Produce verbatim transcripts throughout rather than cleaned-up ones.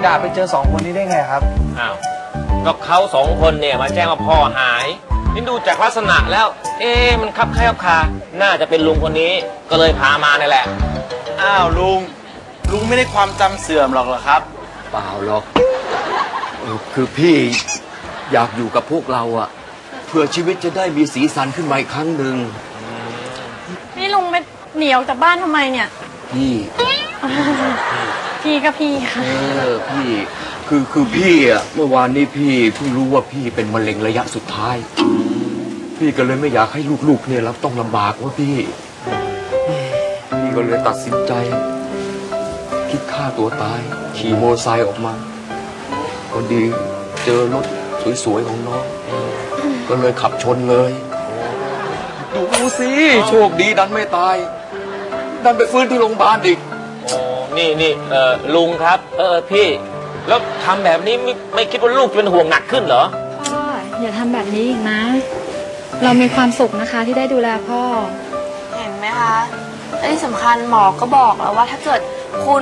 าไปเจอสองคนนี้ได้ไงครับอ้าวก็เขาสองคนเนี่ยมาแจ้งว่าพ่อหายนี่ดูจากลักษณะแล้วเอ๊ะมันคับแคบคาน่าจะเป็นลุงคนนี้ก็เลยพามานี่แหละอ้าวลุงลุงไม่ได้ความจำเสื่อมหรอกเหรอครับเปล่าหรอกคือพี่อยากอยู่กับพวกเราอะเพื่อชีวิตจะได้มีสีสันขึ้นมาอีกครั้งหนึ่งนี่ลุงไม่เหนียวจากบ้านทำไมเนี่ยพี่พี่ก็พี่ค่ะเออพี่คือคือพี่อะเมื่อวานนี้พี่เพิ่งรู้ว่าพี่เป็นมะเร็งระยะสุดท้ายพี่ก็เลยไม่อยากให้ลูกๆเนี่ยรับต้องลำบากว่าพี่พี่ก็เลยตัดสินใจคิดฆ่าตัวตายขี่มอเตอร์ไซค์ออกมาก็ดีเจอรถสวยๆของน้องก็เลยขับชนเลยดูสิโชคดีดันไม่ตายดันไปฟื้นที่โรงพยาบาลอีกโอ้นี่นี่เออลุงครับเออพี่แล้วทำแบบนี้ไม่ไม่คิดว่าลูกจะเป็นห่วงหนักขึ้นเหรอพ่ออย่าทำแบบนี้อีกนะเรามีความสุขนะคะที่ได้ดูแลพ่อเห็นไหมคะและที่สำคัญหมอก็บอกแล้วว่าถ้าเกิดคุณ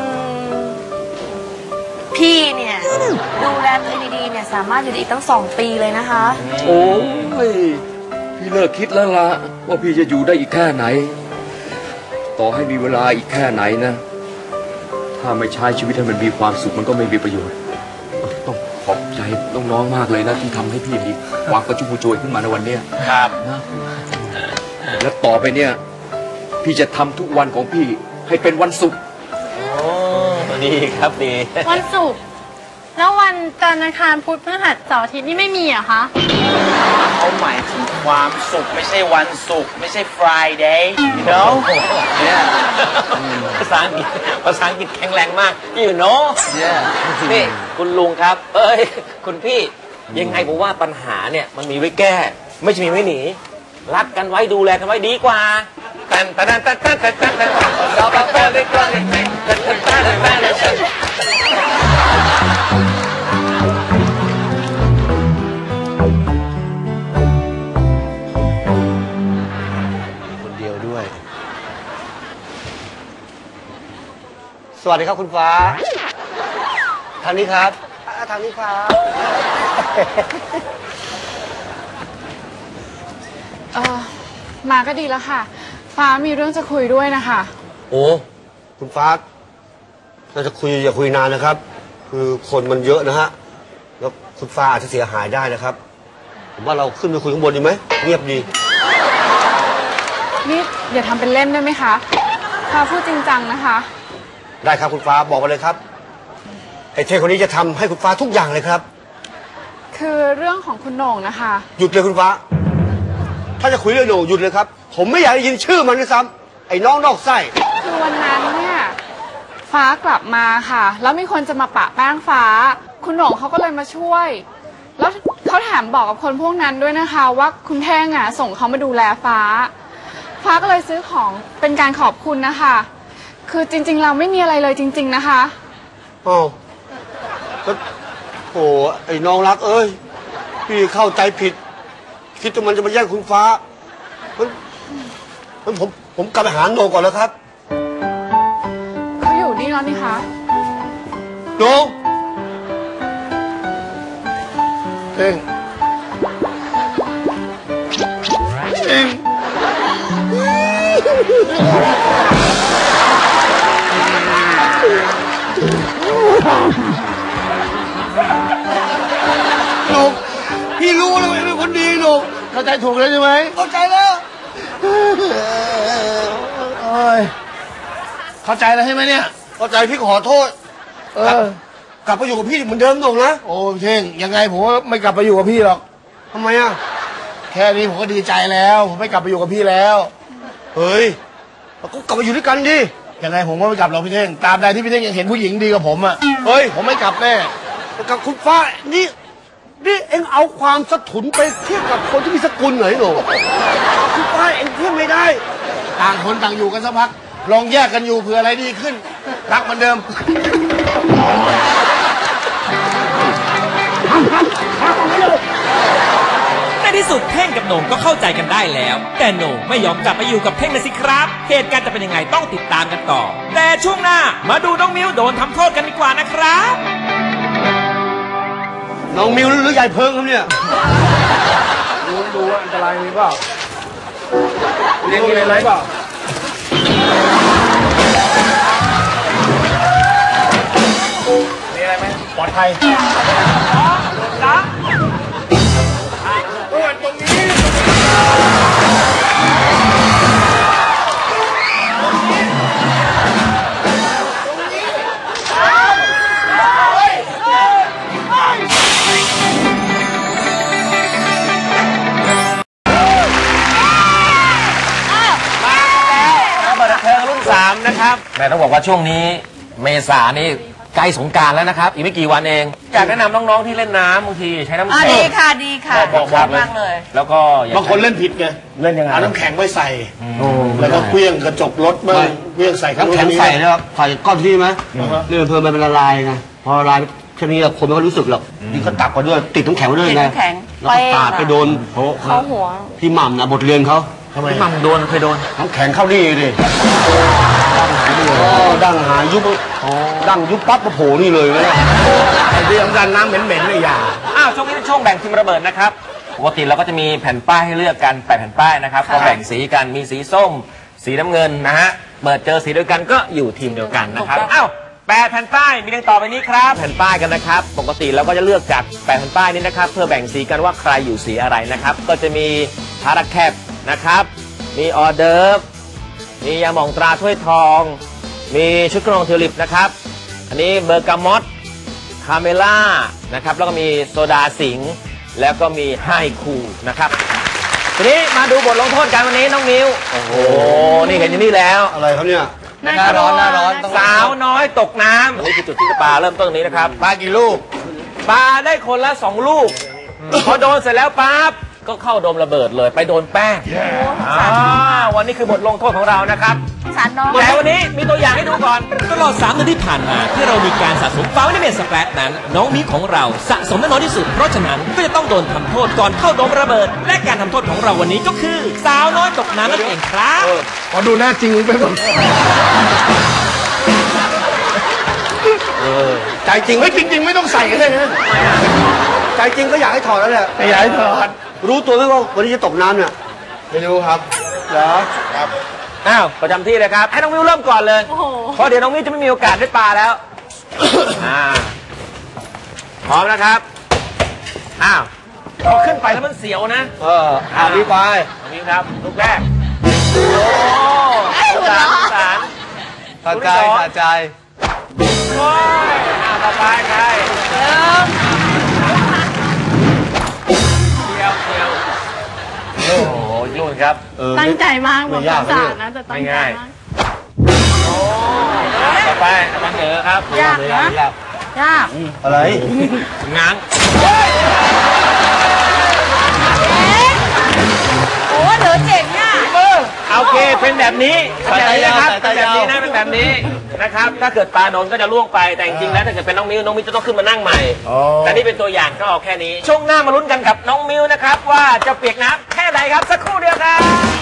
พี่เนี่ยดูแลตัวเองดีๆเนี่ยสามารถอยู่ได้อีกตั้งสองปีเลยนะคะโอ้ยพี่เลิกคิดแล้วล่ะว่าพี่จะอยู่ได้อีกแค่ไหนต่อให้มีเวลาอีกแค่ไหนนะถ้าไม่ใช้ชีวิตให้มันมีความสุขมันก็ไม่มีประโยชน์ต้องขอบใจน้องๆมากเลยนะที่ทำให้พี่มีความกระชุ่มกระชวยขึ้นมาในวันนี้ครับนะและต่อไปเนี่ยพี่จะทำทุกวันของพี่ให้เป็นวันศุกร์โอ้ดีครับดีวันศุกร์แล้ววันจันทร์อังคารพุธพฤหัสเสาร์อาทิตย์นี่ไม่มีเหรอคะเขาหมายถึงความสุขไม่ใช่วันศุกร์ไม่ใช่ Friday you know เนี่ยภาษาอังกฤษภาษาอังกฤษแข็งแรงมาก you know นี่คุณลุงครับเอ้ยคุณพี่ยังไงผมว่าปัญหาเนี่ยมันมีไว้แก้ไม่ใช่มีไว้หนีรักกันไว้ดูแลกันไว้ดีกว่าตันตันตันตันตันตันตันตันเราไปไปไปไปตันตันตันตันตันคนเดียวด้วยสวัสดีครับคุณฟ้าทางนี้ครับทางนี้ครับเออมาก็ดีแล้วค่ะฟ้ามีเรื่องจะคุยด้วยนะคะโอ้คุณฟ้าเราจะคุยอย่าคุยนานนะครับคือคนมันเยอะนะฮะแล้วคุณฟ้าอาจจะเสียหายได้นะครับผมว่าเราขึ้นไปคุยข้างบนดีไหมเงียบดีนี่อย่าทำเป็นเล่นได้ไหมคะฟ้าพูดจริงจังนะคะได้ครับคุณฟ้าบอกมาเลยครับไอ้เทคนนี้จะทำให้คุณฟ้าทุกอย่างเลยครับคือเรื่องของคุณโหน่งนะคะหยุดเลยคุณฟ้าถ้าจะคุยเรื่องโหน่งหยุดเลยครับผมไม่อยากได้ยินชื่อมันด้วยซ้ำไอ้น้องนอกไส้คือวันนั้นเนี่ยฟ้ากลับมาค่ะแล้วมีคนจะมาปะแป้งฟ้าคุณโหน่งเขาก็เลยมาช่วยแล้วเขาแถมบอกกับคนพวกนั้นด้วยนะคะว่าคุณแท่งอ่ะส่งเขามาดูแลฟ้าฟ้าก็เลยซื้อของเป็นการขอบคุณนะคะคือจริงๆเราไม่มีอะไรเลยจริงๆนะคะอ้าวโอ้ไอ้น้องรักเอ้ยพี่เข้าใจผิดคิดว่ามันจะมาแย่งคุณฟ้ามันมันผมผมกลับไปหาโหน่งก่อนแล้วครับเขาอยู่นี่แล้วนี่คะโหน่งเองเองโหน่งพี่รู้แล้วว่าเป็นคนดีโหน่งเข้าใจถูกแล้วใช่ไหมเข้าใจแล้วโอ้ยเข้าใจแล้วใช่ไหมเนี่ยเข้าใจพี่ขอโทษเออกลับไปอยู่กับพี่เหมือนเดิมโหน่งนะโอ้เท่งยังไงผมไม่กลับไปอยู่กับพี่หรอกทำไมอ่ะแค่นี้ผมก็ดีใจแล้วผมไม่กลับไปอยู่กับพี่แล้วเฮ้ยเราก็กลับมาอยู่ด้วยกันดิยังไงผมก็ไม่กลับหรอกพี่เท่งตามใดที่พี่เท่งยังเห็นผู้หญิงดีกับผมอ่ะเฮ้ยผมไม่กลับแน่กับคุณฟ้านี่นี่เอ็งเอาความสะทุนไปเทียบกับคนที่มีสกุลเหรอหนูคุณฟ้าเอ็งเทียบไม่ได้ต่างคนต่างอยู่กันสักพักลองแยกกันอยู่เผื่ออะไรดีขึ้นรักเหมือนเดิมในที่สุดเท่งกับโหน่งก็เข้าใจกันได้แล้วแต่โหน่งไม่ยอมกลับไปอยู่กับเท่งเลยสิครับเหตุการณ์จะเป็นยังไงต้องติดตามกันต่อแต่ช่วงหน้ามาดูน้องมิ้วโดนทำโทษกันดีกว่านะครับน้องมิวหรือยายเพิ่งครับเนี่ยดูดูว่าอันตรายมีเปล่าเรียนมีอะไรเปล่ามีอะไรไหมปลอดภัยจ้าตรงนี้สามนะครับแม่ต้องบอกว่าช่วงนี้เมษานี่ใกล้สงกรานต์แล้วนะครับอีกไม่กี่วันเองอยากแนะนำน้องๆที่เล่นน้ำบางทีใช้น้ำอ่าแข็งดีค่ะดีค่ะบอกบอกมากเลยแล้วก็อย่บางคนเล่นผิดไงเล่นยังไงเอาน้ำแข็งไว้ใส่แล้วก็เคลี้ยงกระจกรถบ้างเคลี้ยงใส่น้ำแข็งใส่นะครับใส่ก้อนที่ไหมนี่เพิ่มมันเป็นละลายไงพอละลายแค่นี้คนไม่ค่อยรู้สึกหรอกนี่ก็ตักมาด้วยติดน้ำแข็งมาด้วยติดไงน้ำแข็งแล้วก็ปาดไปโดนเข้าหัวพี่หม่ำนะบทเรียนเขาทำไมพี่มัมโดนเคยโดนน้ำแข็งเข้านี่ดิดั้งหายยุบดั้งยุบปั๊บมาโผล่นี่เลยนะไอ้ที่สำคัญน้ำเหม็นๆเลยอย่าอ้าวช่วงนี้เป็นช่วงแบ่งทีมระเบิดนะครับปกติเราก็จะมีแผ่นป้ายให้เลือกกันแปดแผ่นป้ายนะครับก็แบ่งสีกันมีสีส้ม สีน้ำเงินนะฮะเปิดเจอสีเดียวกันก็อยู่ทีมเดียวกันนะครับอ้าวแปดแผ่นป้ายมีดังต่อไปนี้ครับแผ่นป้ายกันนะครับปกติเราก็จะเลือกจากแปดแผ่นป้ายนี้นะครับเพื่อแบ่งสีกันว่าใครอยู่สีอะไรนะครับก็จะมีพาราแคปนะครับมีออเดิร์ฟมียาหม่องตราถ้วยทอง มีชุดกรองทิวลิปนะครับอันนี้เบอร์กามอตคาเมล่านะครับแล้วก็มีโซดาสิงห์แล้วก็มีไฮคูนะครับทีนี้มาดูบทลงโทษกันวันนี้น้องมิวโอ้โหนี่เห็นอยู่นี่แล้วอะไรครับเนี่ยหน้าร้อนหน้าร้อนสาวน้อยตกน้ำนี่คือจุดที่จะปลาเริ่มต้นตรงนี้นะครับปลากี่ลูกปลาได้คนละสองลูกพอโดนเสร็จแล้วปั๊บก็เข้าโดมระเบิดเลยไปโดนแป้งอ่าวันนี้คือบทลงโทษของเรานะครับสารน้องแต่วันนี้มีตัวอย่างให้ดูก่อนตลอดสามเดือนที่ผ่านมาที่เรามีการสะสมฟาวล์ในเมสแปรดนั้น น้องมิของเราสะสมได้น้อยที่สุด เพราะฉะนั้นก็จะต้องโดนทำโทษก่อนเข้าโดมระเบิด และการทำโทษของเราวันนี้ก็คือ สาวน้อยตกน้ำนั่นเองครับขอดูหน้าจริงไปก่อนใจจริงไม่จริง ๆ ไม่ต้องใส่ก็ได้นะใจจริงก็อยากให้ถอดแล้วแหละไม่อยากให้ถอดรู้ตัวไหมว่าวันนี้จะตกน้ำเนี่ยไม่รู้ครับเหรอครับอ้าวประจำที่เลยครับให้น้องมิวเริ่มก่อนเลยโอ้โหเพราะเดี๋ยวน้องมิวจะไม่มีโอกาสได้ปลาแล้ว อ่าพร้อมนะครับอ้าวพอขึ้นไปแล้วมันเสียวนะเอออาบนี้ไปน้องมิวครับลูกแรกโอ้สงสารสงสารสะใจสะใจโอ้ยอ้าวต่อไปใครเดียวเดียวโอ้โหยุ่นครับตั้งใจมากบอกไม่ยากสารนะแต่ตั้งใจง่ายมากโอ้ต่อไปอาจารย์เหนือครับยากนะยากอะไรง้างโอ้เหลือเจ๋งอ่ะโอเคเป็นแบบนี้เป็นแบบนี้นะครับเป็นแบบนี้นะเป็นแบบนี้นะครับถ้าเกิดปลาโดนก็จะล่วงไปแต่จริงๆแล้วถ้าเกิดเป็นน้องมิวน้องมิวจะต้องขึ้นมานั่งใหม่แต่นี่เป็นตัวอย่างก็เอาแค่นี้ช่วงหน้ามาลุ้นกันกับน้องมิวนะครับว่าจะเปียกน้ำแค่ไหนครับสักครู่เดียวครับ